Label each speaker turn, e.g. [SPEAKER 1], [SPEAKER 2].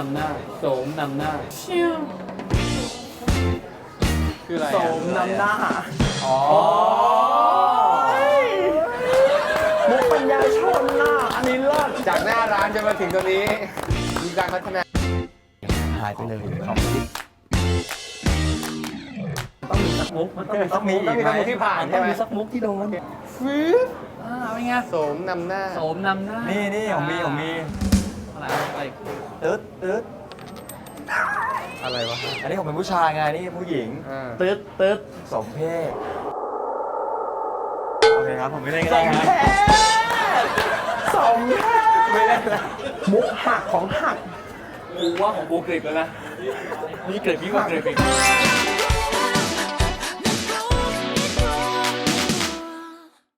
[SPEAKER 1] ำหน้าโสมนำหน้าชิวคืออะไร
[SPEAKER 2] โสมนำหน้าอ๋อมุกปัญญาชนน่ะอันนี้เลิศ
[SPEAKER 3] จากหน้าร้านจะมาถึงตรงนี้มีการพัฒนา
[SPEAKER 2] หายไปเลยของต้องมีสักมุกมันต้องมีสักมุก
[SPEAKER 3] ต้องมีสักมุกที่ผ่านใช่ไหม
[SPEAKER 2] ต้องมีสักมุกที่โดน
[SPEAKER 1] เป็นไง
[SPEAKER 3] โสมนำหน้า
[SPEAKER 1] โสมนำหน้า
[SPEAKER 2] นี่ผมมี
[SPEAKER 1] อะไร
[SPEAKER 2] ตึ๊ด
[SPEAKER 3] อะไรวะ
[SPEAKER 2] อันนี้ผมเป็นผู้ชายไงนี่ผู้หญิง
[SPEAKER 1] ตึ๊ด
[SPEAKER 2] สมเพศโอเคครับผมไม่เล่นก็ได้ครับสมเพศไม่เล่นนะมุกหักของหัก
[SPEAKER 1] กูว่าของกูกริบแล้วนะนี่กริบยิ่งกว่ากริบอีก